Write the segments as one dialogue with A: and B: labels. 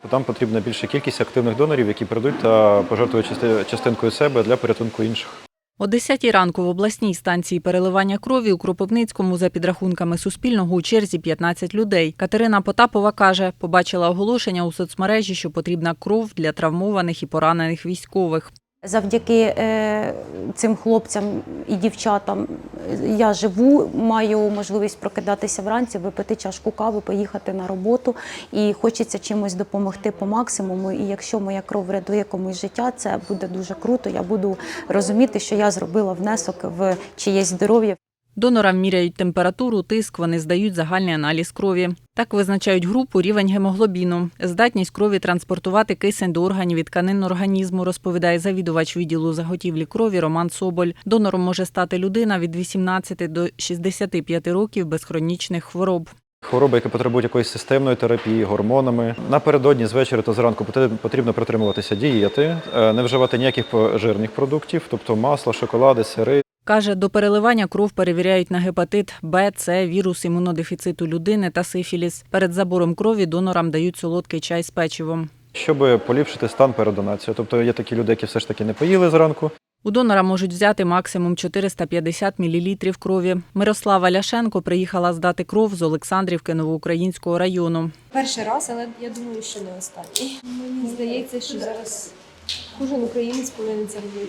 A: Там потрібна більша кількість активних донорів, які прийдуть та пожертвують частинкою себе для порятунку інших.
B: О 10-й ранку в обласній станції переливання крові у Кропивницькому за підрахунками Суспільного у черзі 15 людей. Катерина Потапова каже, побачила оголошення у соцмережі, що потрібна кров для травмованих і поранених військових.
C: Завдяки цим хлопцям і дівчатам я живу, маю можливість прокидатися вранці, випити чашку кави, поїхати на роботу. І хочеться чимось допомогти по максимуму. І якщо моя кров врятує комусь життя, це буде дуже круто. Я буду розуміти, що я зробила внесок в чиєсь здоров'я.
B: Донорам міряють температуру, тиск, вони здають загальний аналіз крові. Так визначають групу, рівень гемоглобіну. Здатність крові транспортувати кисень до органів і тканин організму, розповідає завідувач відділу заготівлі крові Роман Соболь. Донором може стати людина від 18 до 65 років без хронічних хвороб.
A: Хвороби, які потребують якоїсь системної терапії, гормонами. Напередодні, з вечора та зранку потрібно притримуватися дієти, не вживати ніяких жирних продуктів, тобто масло, шоколади, сири.
B: Каже, до переливання кров перевіряють на гепатит Б, С, вірус імунодефіциту людини та сифіліс. Перед забором крові донорам дають солодкий чай з печивом.
A: Щоб поліпшити стан перед донацією. Тобто є такі люди, які все ж таки не поїли зранку.
B: У донора можуть взяти максимум 450 мл крові. Мирослава Ляшенко приїхала здати кров з Олександрівки Новоукраїнського району.
D: Перший раз, але я думаю, що не останній. Мені здається, що зараз кожен українець повинен це робити.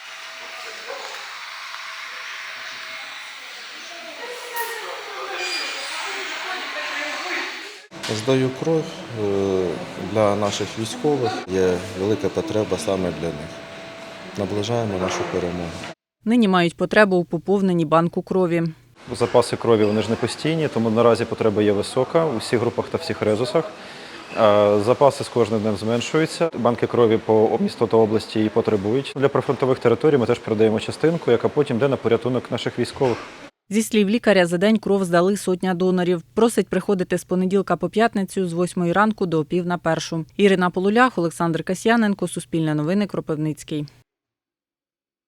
E: Здаю кров для наших військових. Є велика потреба саме для них. Наближаємо нашу перемогу.
B: Нині мають потребу у поповненні банку крові.
A: Запаси крові вони ж не постійні, тому наразі потреба є висока у всіх групах та всіх резусах. Запаси з кожним днем зменшуються. Банки крові по місту та області і потребують. Для прифронтових територій ми теж передаємо частинку, яка потім йде на порятунок наших військових.
B: Зі слів лікаря, за день кров здали 100 донорів. Просить приходити з понеділка по п'ятницю з 8 ранку до 12:30. Ірина Полулях, Олександр Касьяненко, Суспільне новини, Кропивницький.